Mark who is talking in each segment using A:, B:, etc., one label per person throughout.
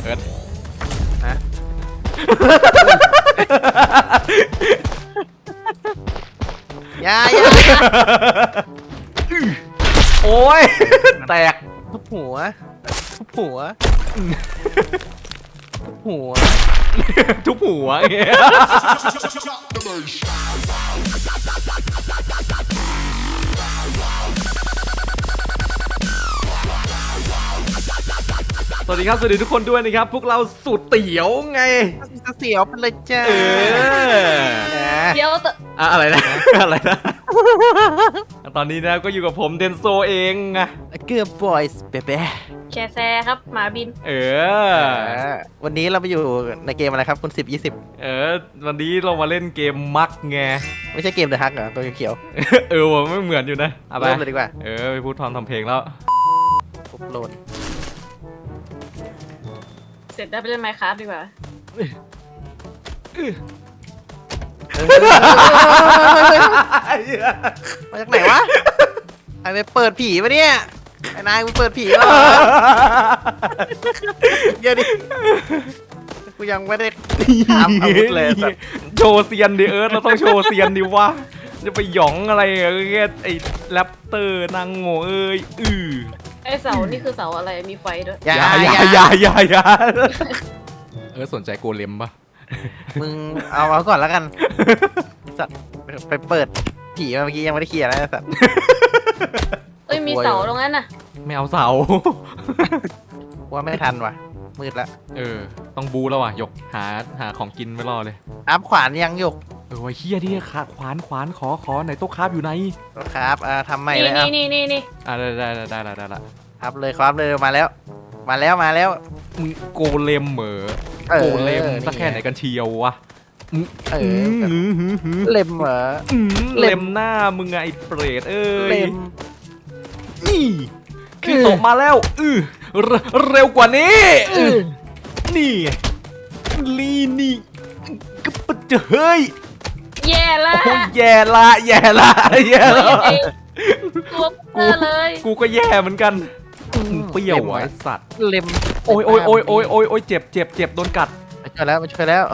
A: อิร์ธ
B: ฮะอย่า
A: โอ้ยแตก
B: ทุบหัวทุบหัวทุบหัว
A: ทุบหัวอย่างเงี้ยสวัสดีครับสวัสดีทุกคนด้วยนะครับพวกเราสูตรเตี๋ยวไง
B: เสียวไปเลยจ้า
C: เดี๋ยว
A: อะไรนะอะไรนะตอนนี้นะก็อยู่กับผมเดนโซเองไง
B: เกือบบอยส์เป๊ะ
C: แชร์แซครับหมาบิน
B: วันนี้เราไปอยู่ในเกมอะไรครับคุณ10-20
A: วันนี้เรามาเล่นเกมมักไง
B: ไม่ใช่เกมเดอะฮักเหรอตัวเขียว
A: ว่ะไม่เหมือนอยู่นะ
B: เอาไปเลยดีกว่า
A: ไปพูดทำเพลงแล้ว
B: ปุ๊บโหลด
C: เสร็จได้ไปเล่นไมค์ครับดีกว่า
B: มาจากไหนวะไอ้ไปเปิดผีปะเนี่ยไอ้นายมึงเปิดผีเหรอเดี๋ยวดิกูยังไม่ได้ทำอาวุธเลย
A: โชว์เซียนดิเราต้องโชว์เซียนดิวะจะไปหยองอะไรแค่ไอ้แรปเตอร์นางโง่
C: ไอเสานี่คือเสาอะไรมีไฟด้วย
A: อย่าสนใจโกเลมปะ
B: มึงเอาก่อนแล้วกันสัตว์ไปเปิดผีเมื่อกี้ยังไม่ได้เคลียร์นะสัตว์
C: มีเสาตรงนั้นน่ะ
A: ไม่เอาเสา
B: ว่าไม่ทันว่ะมืดละ
A: ต้องบูแล้วว่ะหยกหาของกินไม่รอเลย
B: อัพขวานยังหยก
A: เฮียที่ขาขวานขอไหนโต๊ะคราฟอยู่ไหน
B: โต๊ะคราฟทำใหม่เลย
C: นี่
A: ได้ละ
B: ครับเลยครับเลยมาแล้ว
A: มึงโกเลมเหมอโกเลมสักแค่ไหนกันเชียววะ
B: เล็มเหรอ
A: เล็มหน้ามึงไงเปรตเล็มนี่คือตกมาแล้วเร็วกว่านี้นี่ลีนี่ก็ปะเจเฮ้ย
C: แย่ละตัวเลย
A: กูก็แย่เหมือนกันเปรี้ยวไอ้สัตว์
B: เล็ม
A: โอ้ยเจ็บโดนกัด
B: มาช่วยแล้วมาแล้ว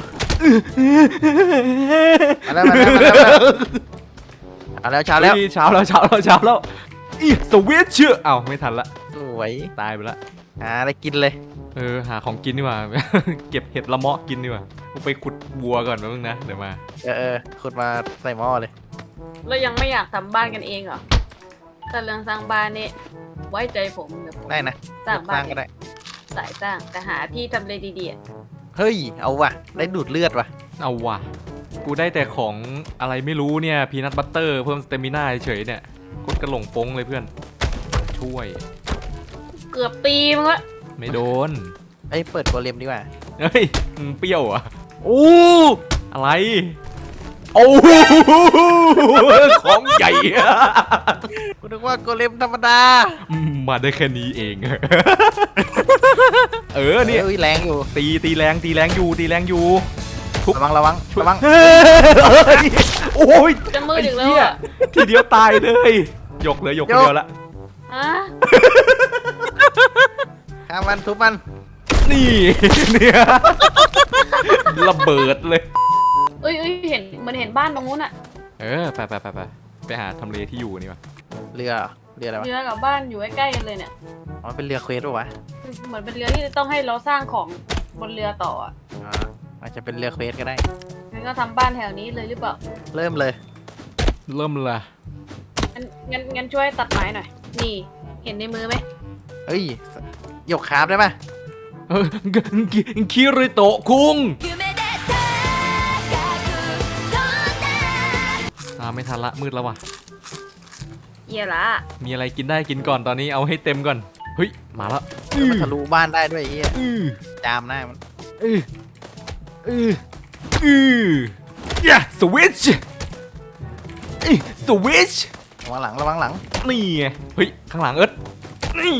B: เช้า
A: แล้วสวิตช์ไม่ทันละ
B: สวย
A: ตายไปละ
B: อะไรกินเลย
A: หาของกินดีกว่าเก็บเห็ดละเมาะกินดีกว่ากูไปขุดบัวก่อนมึงนะเดี๋ยวมา
B: ขุดมาใส่หม้อเลย
C: เรายังไม่อยากทำบ้านกันเองเหรอแต่เรื่องสร้างบ้านนี่ไว้ใจผม
B: ได้นะ
C: สร้างบ้าน
B: ก็ได้
C: สายสร้างแต่หาที่ทำเลดี
B: ๆเฮ้ยเอาว่ะได้ดูดเลือดว่ะ
A: เอาว่ะกูได้แต่ของอะไรไม่รู้เนี่ยพีนัทบัตเตอร์เพิ่มสเตมิน่าเฉยเนี่ยกดกระหล่งโป้งเลยเพื่อนช่วย
C: เกือบตีมึงละ
A: ไม่โดน
B: เปิดโกเลมดีกว่า
A: เฮ้ยเปรี้ยวอ่ะโอ้อะไรโอ้ของใหญ่
B: กูนึกว่าโกเลมธรรมดา
A: มาได้แค่นี้เองนี่
B: แรงอยู่
A: ตีแรงอยู่
B: ทุบระวัง
A: โอ้ย
C: จะมือถึงแล้ว
A: ทีเดียวตายเลยยกเดียวละ
B: ข้ามมันทุบมัน
A: นี่เนี่ยระเบิดเลย
C: เห็นเหมือนเห็นบ้านตรงนู้นอ่ะ
A: ไปหาทำเลที่อยู่นี่วะ
B: เรืออะไรวะ
C: เรือกับบ้านอยู่ใกล้ๆกันเลยเนี่ย
B: มันเป็นเรือเควสป่ะวะ
C: เหมือนเป็นเรือที่ต้องให้เราสร้างของบนเรือต่อ
B: อาจจะเป็นเรือเควสก็ได้
C: งั้นก็ทำบ้านแถวนี้เลยหรือเปล่า
A: เริ่มเลย
C: งั้นช่วยตัดไม้หน่อยนี่เห็นในมือไหม
B: หยกคราฟได้ปะ
A: คิริโตะคุงไม่ทันละมืดแล้วว่ะ
C: เยี่ยละ
A: มีอะไรกินได้กินก่อนตอนนี้เอาให้เต็มก่อนเฮ้ยมาแล้ว
B: มันทะลุบ้านได้ด้วยไอ้เหี้ยจามหน้ามัน
A: สวิตช์
B: ระวังหลัง
A: นี่ไงเฮ้ยข้างหลังนี่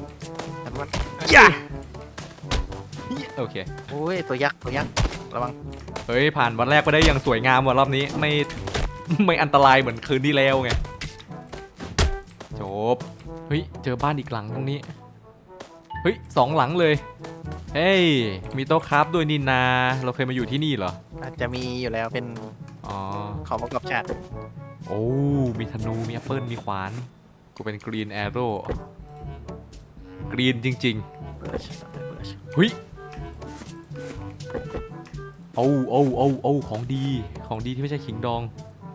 A: โอเค
B: โอ้ยตัวยักษ์ระวัง
A: เฮ้ยผ่านวันแรกไปได้อย่างสวยงามว่ะรอบนี้ไม่อันตรายเหมือนคืนที่แล้วไงจบเฮ้ยเจอบ้านอีกหลังตรงนี้เฮ้ย2 หลังเลยเฮ้ยมีโต๊ะครับด้วยนี่นาเราเคยมาอยู่ที่นี่เหรอ
B: อาจจะมีอยู่แล้วเป็น
A: อ๋อ
B: ของประกอบฉาก
A: โอ้มีธนูมีแอปเปิลมีขวานกูเป็นกรีนแอโร่กรีนจริงๆเฮ้ยเอาของดีที่ไม่ใช่ขิงดอง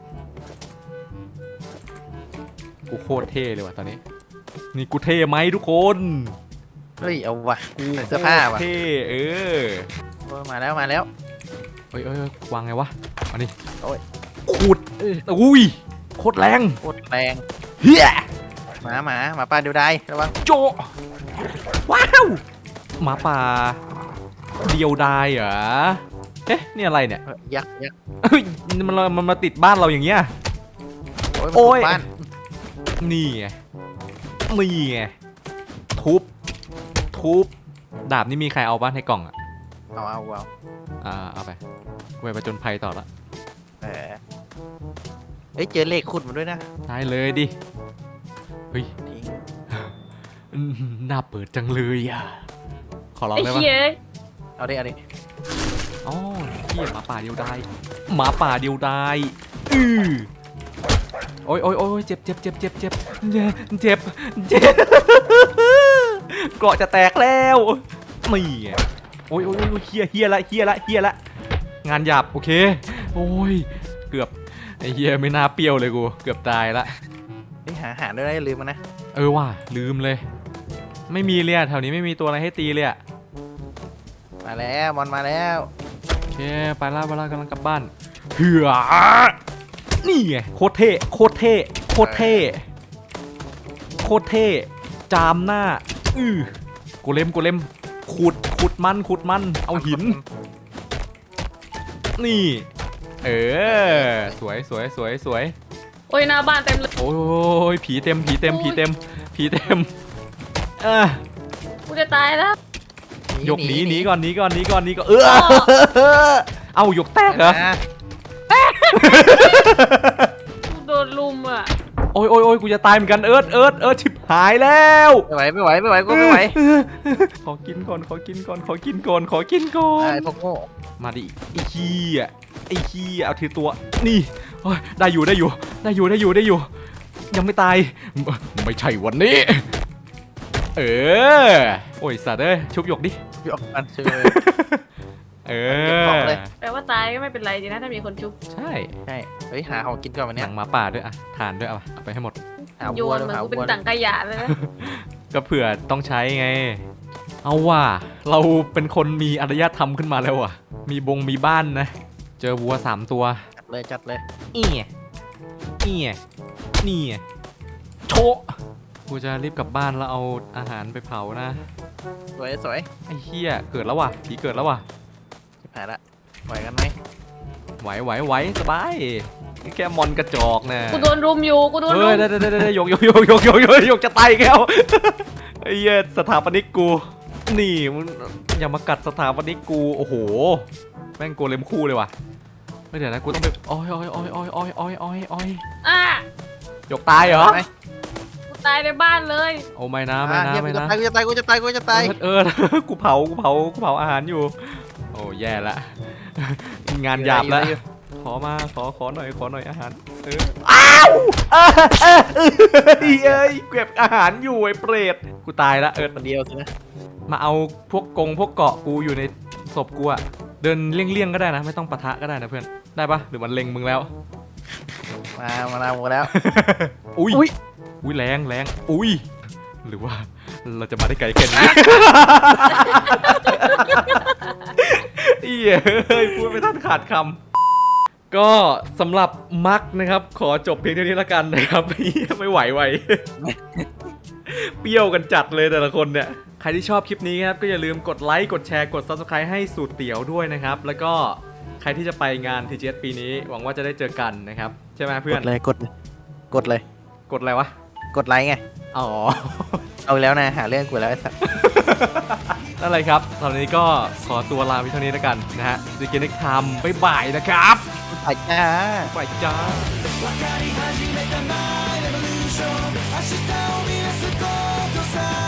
A: กูโคตรเท่เลยว่ะตอนนี้นี่กูเท่ไหมทุกคน
B: เฮ้ยเอาวะ
A: กู
B: ใส่เสื้อผ้าว่ะ
A: เท่
B: โอ้ยมาแล้ว
A: เอ้ยวางไงวะอันนี้
B: โอ้ย
A: ขุดอุ้ยโคตรแรง
B: โคตรแรง
A: เฮีย
B: หมาป่าเดียวดายระวัง
A: โจว้าวหมาป่าเดียวดายเหรอเอ๊ะนี่อะไรเนี่ย
B: ยักษ์
A: เฮ้ยมันมาติดบ้านเราอย่างเงี้ย
B: โอ้ย
A: โอ้ย
B: บ้าน
A: นี่ไงทุบดาบนี่มีใครเอาบ้านในกล่องอ่ะ
B: เอา
A: เอาไปไว้ประจนภัยต่อละ
B: เฮ้ยเจอเลขขุดมาด้วยนะ
A: ได้เลยดิเฮ้ย
B: ทิ้ง
A: น่าเปิดจังเลยอ่ะขอร้อง
C: ไอ้
A: ได้ปะ
C: เหี้ย
B: เอาดิ
A: อ๋อเฮียหมาป่าเดียวดายโอ้ยเจ็บเกราะจะแตกแล้วนี่ไงโอ้ยเฮียละงานหยาบโอเคโอ้ยเกือบไอ้เฮียไม่น่าเปรี้ยวเลยกูเกือบตายละ
B: เฮ้ยหาอาหารด้วยนะอย่าลืมมันนะ
A: ว่ะลืมเลยไม่มีเลยอะแถวนี้ไม่มีตัวอะไรให้ตีเลยอะ
B: มาแล้วมอนมาแล้ว
A: โอเคไปล่ากำลังกลับบ้านเหือนี่ไงโคตรเท่จามหน้ากูเล็มขุดมันเอาหินนี่สวย
C: โอ้ยหน้าบ้านเต็มเลย
A: โอ้ยผีเต็ม
C: กูจะตายแล้ว
A: หยกหนีก่อนเอาหยกแตกเหรอ
C: กูโดนลุมอ่ะ
A: โอ้ยกูจะตายเหมือนกันเอิร์ธชิบหายแล้ว
B: ไม่ไหวกูไม่ไหว
A: ขอกินก่อน
B: ไอ้พวกโง่
A: มาดิไอ้ขี้เอาทีตัวนี่โอ้ยได้อยู่ยังไม่ตายไม่ใช่วันนี้โอ้ยสัตว์ชุบหยกดิ
B: พี่ออกกันชื่อ
C: แปลว่าตายก็ไม่เป็นไรดีนะถ้ามีคนชุบ
A: ใช่
B: เฮ้ยหาของกินก่อนวัน
A: ห
B: นี้
A: นังหมาป่าด้วยอะทานด้วยเอาไปให้หมด
B: หา
C: โย
B: วัวน
C: เหมือน
B: หา
C: กูเป็น
B: วัว
C: ถังขยะเลยนะ
A: ก็เผื่อต้องใช้ไงเอาว่ะเราเป็นคนมีอารยธรรมขึ้นมาแล้วว่ะมีบ้านนะเจอวัว3 ตัว
B: จัดเลย
A: นี่โชะกูจะรีบกลับบ้านแล้วเอาอาหารไปเผานะ
B: สวย
A: ไอ้เหี้ยเกิดแล้วว่ะผีเกิดแล้วว่ะ
B: ชิบหายละไหวกันไหม
A: ไหวสบายนี่แค่มอนกระจอกนะ
C: กูโดนรุมอยู่กูโดนรุ
A: เฮ้ย
C: ม
A: ได้ยกจะตายอีกแล้วไอ้เหี้ยสถาปนิกกูนี่มึงอย่ามากัดสถาปนิกกูโอ้โหแม่งโกเลมคู่เลยว่ะไม่เดี๋ยวนะกูต้องไปอ้อย
C: อ่ะ
A: ยกตายเหรอ
C: กูตายในบ้านเลย
A: โอ้ไม่นะ
B: กูจะตายกูจะตาย
A: กูเผาอาหารอยู่โอ้แย่ละงานหยาบละขอหน่อยอาหารอ้าวเอ้ยเก็บอาหารอยู่ไอ้เปรตกูตายละ
B: คนเดียวสินะ
A: มาเอาพวกเกาะกูอยู่ในศพกูอะเดินเลี่ยงก็ได้นะไม่ต้องปะทะก็ได้นะเพื่อนได้ปะหรือมันเล็งมึงแล้ว
B: มาหมดแล้ว
A: อุ้ยแรงอุ้ยหรือว่าเราจะมาได้ไกลแค่นี้เฮ้ยพูดไม่ทันขาดคำก็สำหรับมักนะครับขอจบเพียงเท่านี้ละกันนะครับไม่ไหวเปรี้ยวกันจัดเลยแต่ละคนเนี่ยใครที่ชอบคลิปนี้ครับก็อย่าลืมกดไลค์กดแชร์กด Subscribe ให้สูตรเตี๋ยวด้วยนะครับแล้วก็ใครที่จะไปงาน TGS ปีนี้หวังว่าจะได้เจอกันนะครับใช่ไหมเพื่อน
B: กดเลย
A: กดอะไรวะ
B: กดไลค์ไง
A: อ๋อ
B: เอาแล้วนะหาเรื่องกูแล้วไอ้สัส
A: นั่นเลยครับตอนนี้ก็ขอตัวลาไปเท่านี้แล้วกันนะฮะจะกินได้ทำบ๊ายบายนะครับ
B: ไปจ้า
A: ไปจ้า
D: 明日を見出すことさ